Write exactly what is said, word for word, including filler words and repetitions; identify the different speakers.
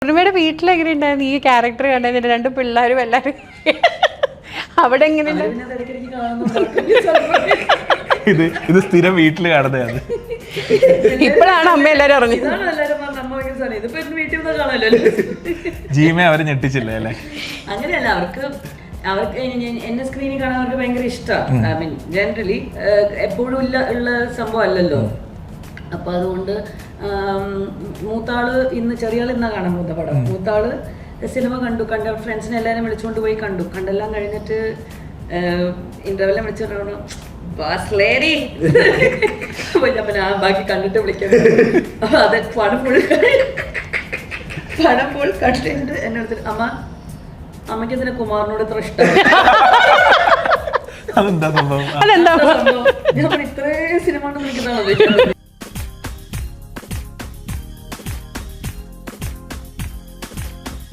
Speaker 1: പൂർണിമയുടെ വീട്ടിലെങ്ങനെ ഉണ്ടായിരുന്നു ഈ ക്യാരക്ടർ കണ്ടതിന് രണ്ട് പിള്ളേരും എല്ലാവരും അവിടെ എങ്ങനെയുണ്ട്?
Speaker 2: ഇത് ഇത് സ്ഥിരം വീട്ടിൽ കാണുന്നതാണ്.
Speaker 1: ഇപ്പോഴാണ് അമ്മ എല്ലാരും അറിഞ്ഞത്.
Speaker 2: ജീമയെ അവര് ഞെട്ടിച്ചില്ലേ അല്ലേ?
Speaker 3: അങ്ങനെയല്ല, അവർക്ക് അവർക്ക് എന്നെ സ്ക്രീനിൽ കാണാൻ അവർക്ക് ഭയങ്കര ഇഷ്ടമാണ്. ഐ മീൻ ജനറലി എപ്പോഴും ഇല്ല ഉള്ള സംഭവം അല്ലല്ലോ. അപ്പൊ അതുകൊണ്ട് മൂത്താള് ഇന്ന് ചെറിയ ആൾ ഇന്നാ കാണാൻ പോകുന്ന പടം. മൂത്താള് സിനിമ കണ്ടു, കണ്ട ഫ്രണ്ട്സിനെ എല്ലാവരും വിളിച്ചുകൊണ്ട് പോയി കണ്ടു. കണ്ടെല്ലാം കഴിഞ്ഞിട്ട് ഇന്റർവെല്ലാം വിളിച്ചിട്ട് ലേഡി പിന്നെ ആ ബാക്കി കണ്ടിട്ട് വിളിക്കാൻ. അപ്പൊ അത് പണം ഫുൾ പണം ഫുൾ കണ്ടിട്ട് എന്നെ എടുത്തിട്ട് അമ്മ അമ്മയ്ക്ക് ഇതിനെ കുമാറിനോട് ഇത്ര ഇഷ്ടം.
Speaker 2: അതെന്താ സംഭവം?
Speaker 1: അതെന്താ
Speaker 3: ഞാൻ ഇത്രയും സിനിമ കൊണ്ട് വിളിക്കുന്നതാണോ?